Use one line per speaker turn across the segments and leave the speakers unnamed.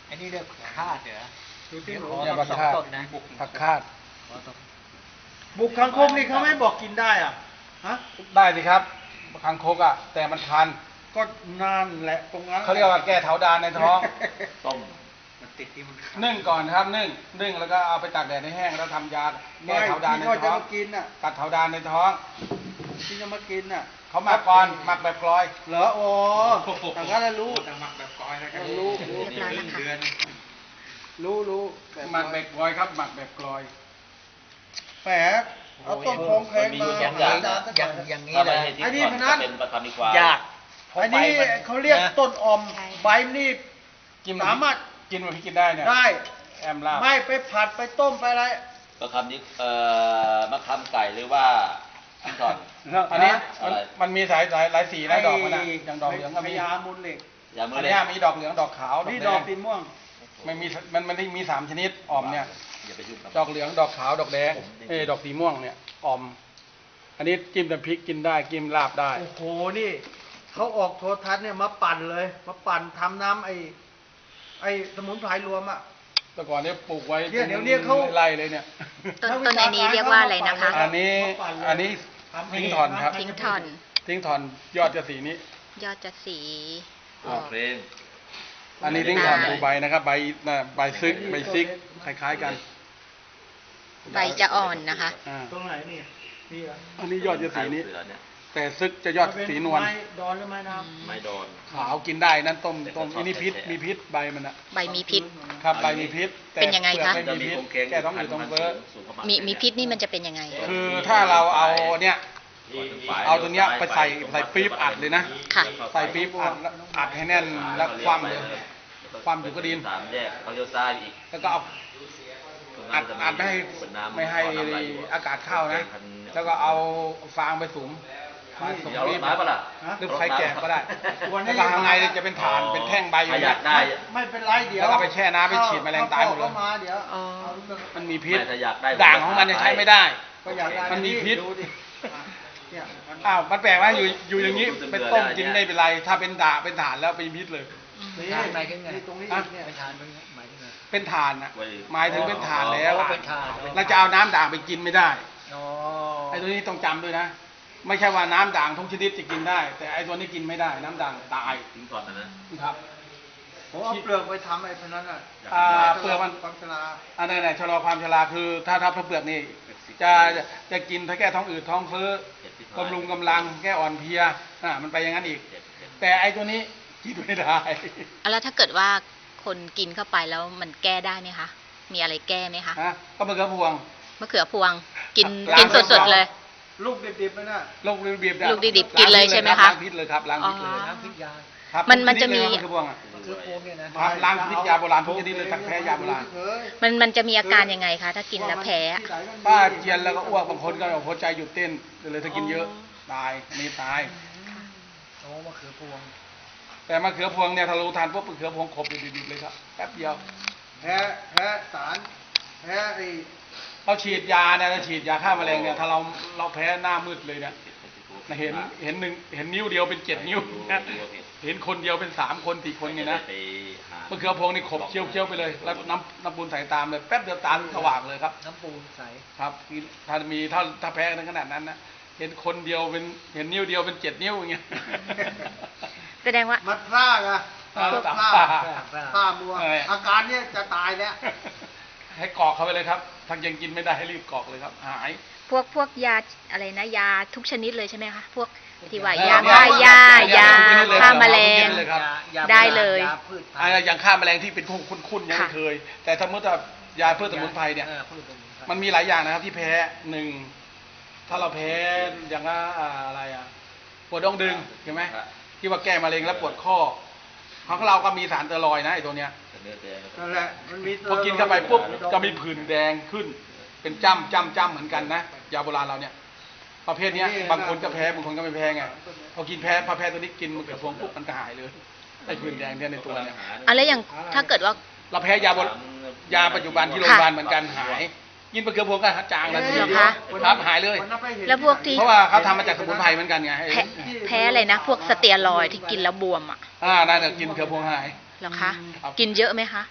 อันนี้เรียกคาดเหรอดูที่หนู
เนี่ย
ต้
ผั
น
ก
สอง
คาด
ต้นนะ
ผักคาด
บุกคังคกนี่เขาไม่บอกกินได้อ่ะฮะ
ได้สิครับคางคกอ่ะแต่มันคัน
ก็นั่นแหละตรงนั้น
เขาเรียกว่าแก้เถาดานในท้อง
ต้ม
มันติดที่มัน
นึ่งก่อนครับนึ่งแล้วก็เอาไปตากแดดให้แห้งแล้วทำยา
ไม่
แก้เถาดานใน
ที่เขาจะ
ท้อง
มากินน่ะ
กัดเถาดานในท้อง
ที่จะมากินน่ะ
เขาหมักก่อนหมักแบบกลอย
เหรอโอ้แต่ก็แล้วรู้
หมักแบบก้อยแล้วกัน
รู้
นี่ครึ่งเดือน
รู้
หมักแบบกลอยครับหมักแบบกลอย
แฝกเอาต้นโพงแพงมา
อย่างนี้
ถ้า
เล
ไม่
ย
ใช่ที่
ไอ้นี่
ก่อน
พนัน
จะเป็นประคำดีกว่า
ยาก
อันนี้เขาเรียกต้นอมใบนี่
กิน
สามารถ
กินมันพี่กินได้เนี่ย
ได้
แอมลาบ
ไม่ไปผัดไปต้มไปอะไร
ประคำนี้มะขามไก่หรือว่าชิ้นก่อน
อันนี้
อะไร
มันมีหลายสีนะดอกมันนะอย่างดอกเหลืองก็มี
พญามูลเหล็ก
อย่ามื
อั
อน เลย
เนี้ยมีดอกเหลืองดอกขาว
นี่
ด
ด
อ
อก
กแด
สี
ง
ม่วง
มันมี3ชนิดอ่อมเนี่ย
อย่าไปยุ่งกับ
ดอกเหลืองดอกขาวดอกแดงดอกสีม่วงเนี่ยอ่อม อันนี้จิ้มน้ำพริกกินได้จิ้มลาบได้
โอ้โหนี่เขาออกโทรทัศน์เนี่ยมาปั่นเลย มาปั่นทำน้ำไอ้สมุนไพรรวมอ่ะ
แต่ก่อนเนี่ยปลูกไว้
เดี๋ยวนี้เขา
ไร่เลยเนี่ย
ต้นอันนี้เรียกว่าอะไรนะคะ
อันนี้ทิ้งทอนครับ
ทิ้งทอน
ทิ้งทอนยอดจะสีนี้
ยอดจะสี
เพลง
อันนี้ทิ้งทอนดูใบนะครับใบใบซิกคล้ายๆกัน
ใบจะอ่อนนะคะ
อ่า
ตรงไหนนี่นี่เหรอ
อันนี้ยอดจะสีนี้
เสือเนี่ย
แต่ซึกจะยอดสีนวล
ไม้ดอนหรือไม้น้
ไม้ดอน
ขาวกินได้นั่นต้ม
แต่
อันนี้พิษ
ชอบแท้
มีพิษใบมันอะ
ใบมีพิษ
ครับใบมีพิษแต่
เป็นยังไงคะ
ปลือกไม่มีพิษแก้ท้องอืดท้องเฟ้อ
มีพิษนี่มันจะเป็นยังไง
คือถ้าเราเอาเนี่ย
ที่
เอาตัวเนี้ยไปใส่ปี๊บอัดเลยนะ
ค่ะ
ใส่ปี๊บอัดแล้วอัดให้แน่นแล้วคว่ำเลยคว่ำอยู่ก็ดิน
สามแยกเขาเลี้ยวซ้ายอีก
แล้วก็เอาอัดไม่ให้อากาศเข้านะ แล้วก็เอาฟางไปสุมมาสุม
เดี๋ยวร
ปี๊
ถ
บ
ไม้ปะล่ะ
หรือไฟแกะก็ได้แล้วก็ข้างในจะเป็นฐานเป็นแท่งใบอยู่
ถ้าอ
เนี่
ยาย กได้
ำไม่เป็นไรเดี๋ยว
แล้วก็ไปแช่น้ำไปฉีดแมลงตายหมดเลย
ข้มาเดี๋ยว
อ๋อ
มันมีพิษ
ไม่ถ้าอยากได้
ด่างของมันเนี่ยใช้ไม่ได้
ก็อยากได้
มันมีพิษ
ดูดิเนี่ยมัน
อ้าวมันแปลกว่าอยู่อย่างนี้เป็นต้มกินไม่เป็นไร ถ้าเป็นด่างเป็นฐานแล้วเป็นพิษเลย
นี่
ทานไปถึงไง
นี่ตรงนี้
อ่ะ
เนี่ย
ไปทานมันหมายถึงไง
เป็นฐานนะหมายถึงเป็นฐานแล้ว
อ๋อเป็นฐาน
เราจะเอาน้ำด่างไปกินไม่ได้
อ๋อ
ไอ้ตัวนี้ต้องจำด้วยนะ ไม่ใช่ว่าน้ำด่างทุกชนิดจะกินได้ แต่ไอ้ตัวนี้กินไม่ได้ น้ำด่างตาย
ทิ้งก่อนนะ
ครับ
ผมเอาเปลือกไปทำไอ้พวกนั้นอ่ะ
เปลือกมัน
ความชรา
อันไหนชะลอความชราคือถ้าเปลือกนี่จะกินถ้าแก้ท้องอืดท้องเฟ้อบำรุงกำลังแก้อ่อนเพลียมันไปอย่างนั้นอีก แต่ไอ้ตัวนี้กินไม่ได้
แล้วถ้าเกิดว่าคนกินเข้าไปแล้วมันแก้ได้ไหมคะ มีอะไรแก้ไหมคะ
ก็มะเขือพวง
มะเขือพวง กิน
ล้าง
กินสดๆเลย
ลูกดิบๆไปน่ะ
ลูกดิบๆ
ลูกดิบๆกินเลยใช่ไหมคะ
ล้างพิษเลยครับล้างพิษเลย
อ๋อ
น้ำพริกยา
ครับ
มันจะมี
ทุกชดเลยมะเขือพวงอะ
คือโพงเนี่ยนะ
ครับล้างพิษยาโบราณทุกชนิดเลยทั้งแพ้ยาโบราณ
มันจะมีอาการยังไงคะ ถ้ากินแล้วแพ้
ป้าเจียนแล้วก็อ้วกบางคนก็หัวใจหยุดเต้นเลยถ้ากินเยอะตายอันนี้ตาย
โอ้มะเขือพวง
แต่มะเขือพวงเนี่ยถ้าเราทานปุ๊บมะเขือพวงขบดิบๆเลยครับแป๊บเดียว
แพ้สารแพ้ไอ้
เราฉีดยาเนี่ยเราฉีดยาฆ่าแมลงเนี่ยถ้าเราแพ้หน้ามืดเลยเนี่ยเห็นนิ้วเดียวเป็น7 นิ้วนะเห็นคนเดียวเป็น3 คน4 คนเนี่ยนะ
ไปหาม
ะเขือพวงนี่ขบเคี้ยวๆไปเลยแล้วน้ำปูนใส่ตามเลยแป๊บเดียวตาสว่างเลยครับ
น้ำปูนใส
ครับถ้าแพ้ในขนาดนั้นนะเห็นคนเดียวเห็นนิ้วเดียวเป็น7 นิ้วอย่างเงี้ย
แสดงว่า
มัดพร่ากอะ
เออ
พวก
ตาม
พร่า
ป้า
พร่ามัว
เออ
อาการเนี่ยจะตายแล้ว
ให้กรอกเข้าไปเลยครับถ้ายังกินไม่ได้ให้รีบกรอกเลยครับหาย
พวกยาอะไรนะ ยาทุกชนิดเลยใช่ไหมคะ พวกที่ว่า
เออ
ยา
เนี่ย
ฆ่ายายา
ทุกชนิดเลย
ฆ่าแมลง
ทุกชนิดเลยครับ
ยา
ได้เลย
ยาพืชพัน
อะไร
ธุ์
อย่างฆ่าแมลงที่เป็นคุ้นๆยังไม่เคย แต่ถ้าเมื่อยาพืชสมุนไพรเนี่ย
พืชสมุนไพร
มันมีหลายอย่างนะครับที่แพ้1ถ้าเราแพ้อย่างว่าอะไรปวดดองดึงเห็นไหมที่ว่าแก้มะเร็งแล้วปวดข้อของเราก็มีสารสเตียรอยด์นะไอ้ตัวเนี้ย
เนื้อแดง
นั่นแหละมันมี
พอกินเข้าไปปุ๊บก็มีผื่นแดงขึ้น เป็นจ้ำเหมือนกันนะยาโบราณเราเนี่ยประเภทเนี้ยบางคนก็แพ้บางคนก็ไม่แพ้ไงพอกินพอแพ้ตัวนี้กินมะเขือพวงปุ๊บมันก็หายเลยไอ้ผื่นแดงเนี่ยในตัวเนี่ย
อะไรอย่างถ้าเกิดว่า
เราแพ้ยาปัจจุบันที่โรงพยาบาลเหมือนกันหายกินมะเขือพวงก็จางแล้วที
เหรอ
เดียว
คะ
ครับหายเลย
นนั้นไปเห็น
แล้วพวกที่
เพราะว่าเขาทำมาจากสมุนไพรเหมือนกันไง
แพ้อะไรนะ พวกสเตียรอยด์ที่กินแล้วบวมอ่ะ
นั่นแหละกินมะเขือพวงหาย
เหรอคะ
ครับ
กินเยอะไหมคะ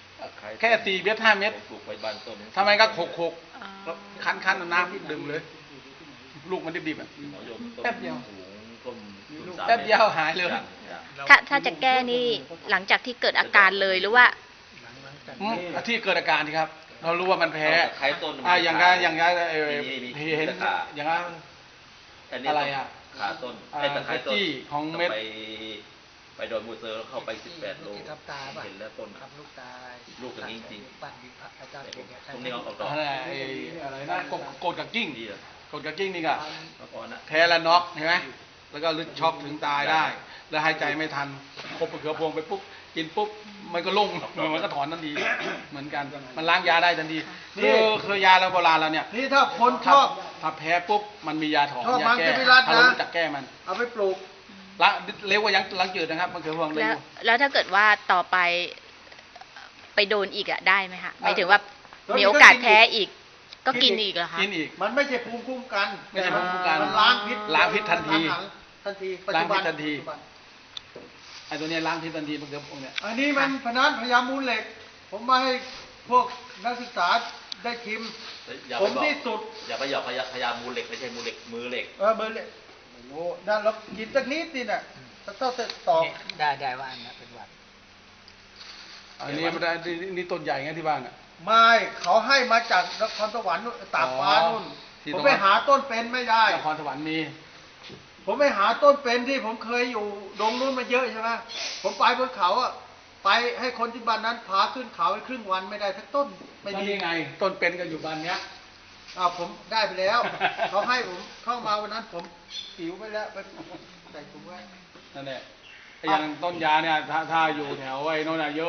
แค่4 เม็ด 5 เม็ด
ปลูกไว้บ้านต้น
ทำไมก็โขก
อ๋อ
ก็คั้นๆน้ำดื่มเลย ลูกมันดิบๆอ่ะ
มะยมต้น
แป๊บเดียว
สูงต้นสูง3
แป๊บเดียวหายเลย
จ้ะ
ถ้าจะแก้นี่หลังจากที่เกิดอาการเลยหรือว่า
ที่เกิดอาการที่ครับ เรารู้ว่ามันแพ้
เอาตะไคร้ต้นมัน
อย่างเห็นอย่างนั้น
อันนี้
อะไรอ่ะ
ขาต้น
อ่า
ไอ้ตะไคร้ต้น
จี้ของเม็ด
ต้องไปโดนมูเซอร์แล้วเข้าไป18 โล
ที่ทำตาป่ะ
เห็นแล้วต้น
ทำลูกตา
ลูกอย่างนี้จริง
ปั้นดิพระอาจารย์เก่งเนี่ย
ตรงนี้เอาออกดอก
อะไรนะโกดกับกิ้ง
ดีอะ
โกดกับกิ้งนี่ก็
เมื่อก่อนนะ
แพ้แล้วน็อกเห็นไหมแล้วก็ลึกช็อกถึงตายได้ แล้วหายใจไม่ทันคบมะเขือพวงไปปุ๊บกินปุ๊บมันก็ลงมันก็ถอนทันทีเหมือนกัน มันล้างยาได้ทันทีคือยาเราโบราณเราเนี่ย
นี่ถ้าคนชอบ
ถ้าแพ้ปุ๊บมันมียาถอน
ชอบ
ยา
มัง
แก้
สวิรัติ
ถ้าเรา
นะ
รู้จักแก้มัน
เอาไปปลูก
ละเร็วกว่ายังล้างจืดนะครับมะเขือพวงเร็
แล้ว
ว
แล้วถ้าเกิดว่าต่อไปไปโดนอีกอะได้ไหมคะหมายถึงว่า
แล้ว
มีโอกาสแพ้อีก ก็กินอีกเหรอคะ
กินอีก
มันไม่ใช่ภูมิคุ้มกัน
ไม่ใช่ภูมิคุ้มกัน
มันล้างพิษ
ล้างพิษทันที
ทันทีปัจ
ล้าง
จุบั
พิ
น
ษทันที
ปัจจุบัน
ไอ้ตัวเนี้ยล้างพิษทันทีมะเขือพวงเนี่ย
อันนี้มันพนันพยามูลเหล็ก ผมมาให้พวกนักศึกษาได้ชิม
อย่า
ผ
ไป
ม
บอก
ที่สุด
อย่าไปหยอกพยายามมูลเหล็กไม่ใช่มูลเหล็กมือเหล็ก
เบอร์เหล็กโอ้โหนั่นเรากินสักนิดนี่น่ะเท่าเสร็จตอก
ได้ว่าอันนั้นเป็นหวัด
อันนี้มันได้นี่ต้นใหญ่ไงที่บ้านอ่ะ
ไม่เขาให้มาจากนครสวรรค์นู่นตากฟ้านู่น
ที่
ผม
ตรง
ไป
นั้น
หาต้นเป็นไม่ได้
นครสวรรค์มี
ผมไปหาต้นเป็นที่ผมเคยอยู่ดงนู้นมาเยอะใช่ไหมผมไปบนเขาอะไปให้คนที่บ้านนั้นพาขึ้นเขาไปครึ่งวันไม่ได้สักต้นไม่
ไม่
ดี
ดีไง ต้นเป็นก็อยู่บ้านเนี้ย
ผมได้ไปแล้ว เขาให้ผมเข้ามาวันนั้นผมปิวไปแล้วไปใส่ถุงไว้
นั่นแหละไอ้อย่างต้นยาเนี่ยถ้าอยู่แถวไอ้โน่นน่ะเยอะ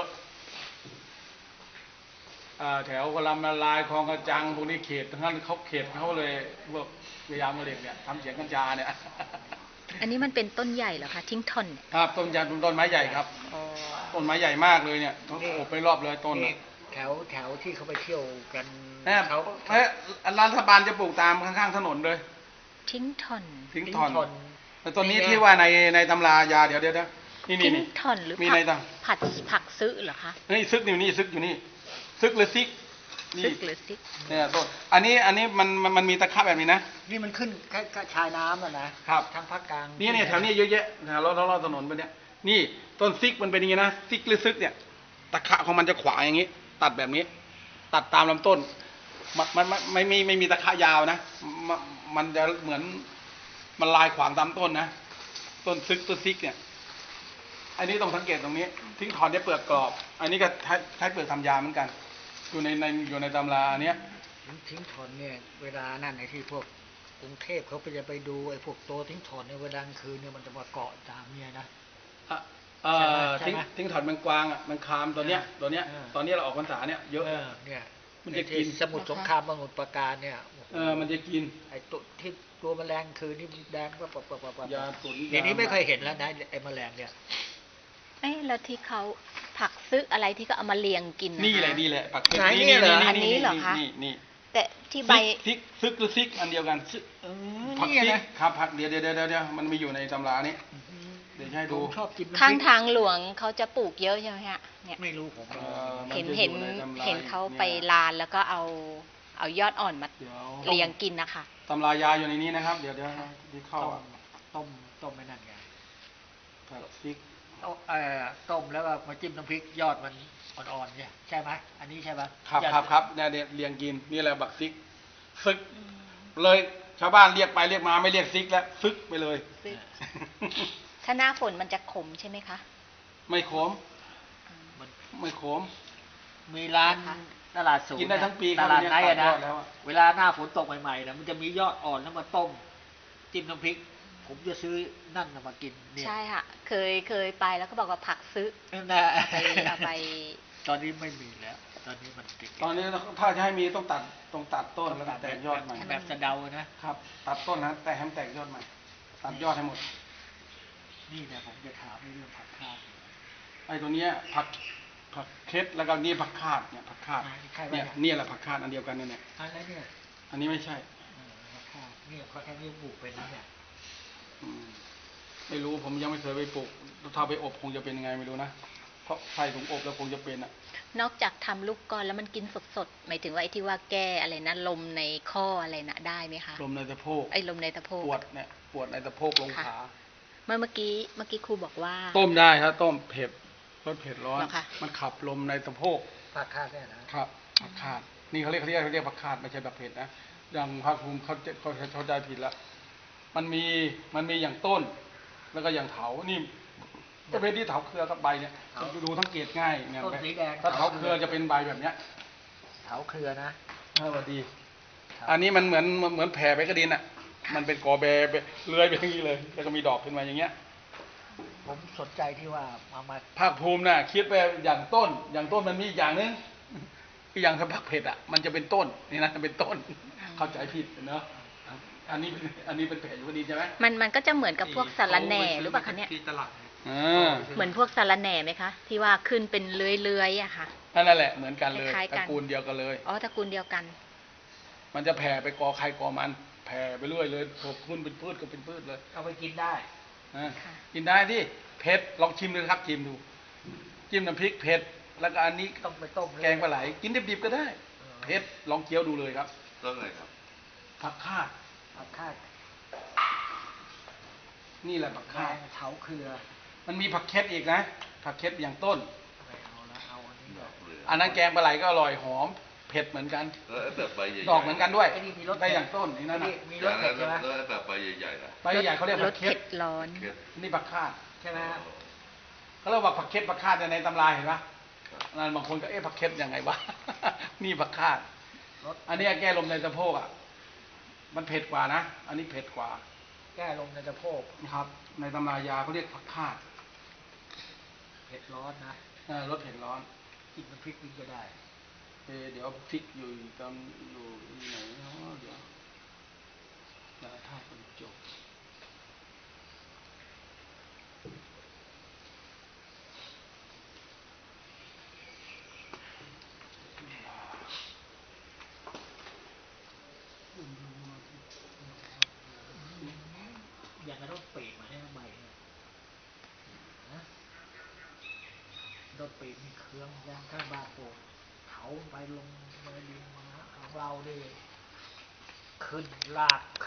แถวกลำละลายคลองกระจังพวกนี้เขตทั้งนั้นเขาเขตเขาเลยพวกพยายามมาเด็กเนี่ยทำเสียงกัญชาเนี่ย
อันนี้มันเป็นต้นใหญ่เหรอคะ ทิ้งทอนเนี่ย
ครับต้นยางต้นไม้ใหญ่ครับ ต้นไม้ใหญ่มากเลยเนี่ยต้องโอบไปรอบเลยต้น
นี่
น่ะ
แถวที่เขาไปเที่ยวกัน
แม่
เขา
รัฐบาลจะปลูกตามข้างๆถนนเลย
ทิ้งทอน
ทิ้งทอนแต่ต้นนี้ที่ว่าในตำรายาเดี๋ยวนี่
ทิ้ง
นี่
ทอนหรือ
มี
ผั
ในตัง
ผักซื้อเหรอคะ
นี่ซึกอยู่นี่ซึกอยู่นี่ซึกหรือซิกนี่
ซึกหรือซิก
เนี่ยต้นอันนี้มันมีตะขะแบบนี้นะ
นี่มันขึ้นก็ชายน้ำอ่ะนะครับ ทั้งภาคกลาง
นี่แถวนี้เยอะแยะแถวรอบถนนไปเนี่ยนี่ต้นซิกมันเป็นอย่างนี้นะซิกหรือซึกเนี่ยตะขะของมันจะขวางอย่างนี้ ตัดแบบนี้ ตัดตามลำต้นมันไม่มีตะขะยาวนะมันจะเหมือนมันลายขวางตามต้นนะต้นซึกต้นซิกเนี่ยอันนี้ต้องสังเกตตรงนี้ ทิ้งถอนได้เปลือกกรอบ อันนี้ก็ใช้เปลือกทำยาเหมือนกัน อยู่ในตำราอันเนี้ย
ทิ้งถอนเนี่ยเวลานั่นไอ้ที่พวกกรุงเทพเขาไปจะไปดูไอ้พวกโตทิ้งถอนในเวลากลางคืนเนี่ยมันจะมาเกาะตามเนี่ยนะ ใช่ไหม
ทิ้งถอนแมงกวางอ่ะแมงคามตัวเนี้ย
เออ
ตอนนี้เราออกพรรษาเนี่ยเยอะ
เนี่ย
มันจะกิน
สมุทรสงครามสมุทรปราการเนี่ยโอ้โห
มันจะกิน
ไอ้ตัวที่ตัวแมลงคืนนี่แดงก็ปะ
ยาตุ๋น
เดี๋ยวนี้ไม่เคยเห็นแล้วนะไอ้แมลงเนี่ย
เอ๊ะแล้วที่เขาผักซื้ออะไรที่ก็เอามาเรียงกินนะ
นี่แหละ
คะ
นี่แหละปัก
ไหนเนี่ยเหรอ
อันนี้เหรอคะ
นี่
แต่ที่ใบ
ซึกหรือซิกอันเดียวกันผัก
นี่
ซิก
นะครับ
ผักเดี๋ยวมันมีอยู่ในตำรานี้ เดี๋ยวจะให้
ผ
ดู
มชอบกินน้ำพริก
ข้างทางหลวงเขาจะปลูกเยอะใช่ไหมฮะเนี่ย
ไม่รู้ผม
มั
เห็น
จะ
เห็น
อยู่ใตำรา
เห็นเขาไปลานแล้วก็เอายอดอ่อนมา
เดี๋ยว
เรียงกินนะคะ
ตำรายาอยู่ในนี้นะครับ เดี๋ยวที่เข้า
ต้มไม่นั่นไง
ผักซิก
ต้มแล้วก็มาจิ้มน้ำพริกยอดมันอ่อนๆเนี่ยใช่ไหมอันนี้ใช่ไหม
ครับเนี่ยเรียงกินนี่แหละบักซิกซึกเลยชาวบ้านเรียกไปเรียกมาไม่เรียกซิกแล้วซึกไปเลย
ซึก ถ้าหน้าฝนมันจะขมใช่ไหมคะ
ไม่ขม
มัน
ไม่ขม
มีร้านตลาดสูง
กินได้ทั้งปีค
ต
รับ
ลาดไหนอะ
ตัดย
นะ
อดแล้วอะ
เวลาหน้าฝนตกใหม่ๆนะมันจะมียอดอ่อนแล้วมาต้มจิ้มน้ำพริก ผมจะซื้อนั่นน่ะมากินเนี่ย
ใช่ค่ะ เคยไปแล้วก็บอกว่าผักซื้อ
นั่นนะ
เอาไป
ตอนนี้ไม่มีแล้ว ตอนนี้มันติด
ตอนนี้ถ้าจะให้มีต้องตัดต้นแล้วก็แตกยอดใหม่
แบบสะเดานะ
ครับ ตัดต้นนะแต่ให้มันแตกยอดใหม่ ตัดยอดให้หมด
นี่นะผมจะถามเรื่องผักข้าว
ไอ้ตัวเนี้ยผักเคล็ดแล้วก็นี่ผักคาดเนี่ยผักคาด
ใครวะ
เนี่
เนี่ย
ยแหละผักคาดอันเดียวกันเนี่ย
อะไรเนี่ย
อันนี้ไม่ใช่
ผักข้าวเนี่ยเขาแค่นี้ปลูกเป็นแล้วเนี่ย
อืมไม่รู้ผมยังไม่เคยไปปลูกถ้าไปอบคงจะเป็นยังไงไม่รู้นะเพราะใส่ถุงอบแล้วคงจะเป็นอ่ะ
นอกจากทำลูกกลอนแล้วมันกินสดๆหมายถึงว่าไอ้ที่ว่าแก้อะไรนะลมในข้ออะไรนะได้ไหมคะ
ลมในสะโพก
ไอ้ลมในสะโพก
ปวดเนี่ยปวดในสะโพกลง
ค่ะ
ขา
เมื่อกี้ครูบอกว่า
ต้มได้ครับต้มเผ็ดรสเผ็ดร้อน
เหรอคะ
มันขับลมในสะโพก
ปากคาดเนี่ยนะครับ
ผักคาดนี่เขาเรียกผักคาดไม่ใช่แบบเผ็ดนะอย่างภาคภูมิเขาใจผิดแล้วมันมีอย่างต้น แล้วก็อย่างเถานี่ประเภทที่เถาเครือกับใบเนี่ยดูสังเกตง่ายเนี่ย
ต้นสีแดง
ถ้าเถาเครือจะเป็นใบแบบเนี้ย
เถาเครือนะ
สวัสดี อันนี้มันเหมือนแผ่ไปกระดินอ่ะมันเป็นกอแบเลื้อยไปอย่างนี้เลยแล้วก็มีดอกขึ้นมาอย่างเงี้ย
ผมสนใจที่ว่ามา
ภาคภูมิน่ะคิดไปอย่างต้นมันมีอีกอย่างนึงคืออย่างผักเผ็ดอ่ะมันจะเป็นต้นนี่นะเป็นต้นเข้าใจผิดเนาะอันนี้เป็นแผ่อยู่กระดินใช่ไหม
มันก็จะเหมือนกับพวกสาระแหน่หรือเปล่าคะเนี่ย
ที่ตลาด
เหมือนพวกสาระแหน่ไหมคะที่ว่าขึ้นเป็นเลื้อยๆอะค่ะ
นั่นแหละเหมือนกันเลย
คล้ายๆ
ต
กั
ระ
น
กูลเดียวกันเลย
อ๋อตระกูลเดียวกัน
มันจะแผ่ไปกอใครกอมันแผ่ไปเรื่อยเลยพอขึ้นเป็นพืชก็เป็นพืชเลย
เอาไปกินได้
ค่ะ
กินได้ที่เผ็ดลองชิมดูครับชิมดูจิ้มน้ำพริกเผ็ดแล้วก็อันนี้
ต้องไปต้มเลย
แกงปลาไหลกินดิบๆก็ได้เผ็ดลองเคี้ยวดูเลยครับ
ต้นอะไรครับ
ผักคาด
ปากคาด
นี่แหละผัก
แด
คาด
งเถาเครือ
มันมีผักเค็ดอีกนะผักเค็ดอย่างต้น
ไม่เอาละเอาอันนี้ก่อน
อันนั้นแกงปลาไหลก็อร่อยหอมเผ็ดเหมือนกัน
แล้วไอ้แบบใบใหญ่ๆ
ดอกเหมือนกันด้วย
ไอ้นี่มีรส
ได้อย่างต้นนี่นั่น
นี่
น่ะ
มี
อ
ร
ย่า
ส
ง
เผ็
นั้
ด
น
ใช่ไหม
แล้วไอ้แบบใบใหญ่ๆล่ะ
ใบใหญ่เขาเรียก
ร
ผั
ส
กเค็
เผ็
ด
ดร้อน
เค็ด
นี่ผักคาด
ใช่ไหมฮะ
เขาเรียกว่าผักเค็ดผักคาดในตำราเห็นปะนั่นบางคนก็ผักเค็ดยังไงวะ นี่ผักคาด
รส
อันนี้แก้ลมในสะโพกอ่ะมันเผ็ดกว่านะอันนี้เผ็ดกว่า
แก้ลมในสะโพก
นะครับ ในตำรายาเขาเรียกผักคาด
เผ็ดร้อนนะ
รสเผ็ดร้อน
กินมันพริกกินก็ได้
เดี๋ยวพริกอยู่ตอนอยู่ไหนเนาะเดี๋ยวท่าคนจบ
อย่างกับรถปีกมาให้ใบเนี่ยนะรถปีกมีเครื่องย่างข้างบ้านปลูกเถาไปลงมาดินมาของเราดิขึ้นลาก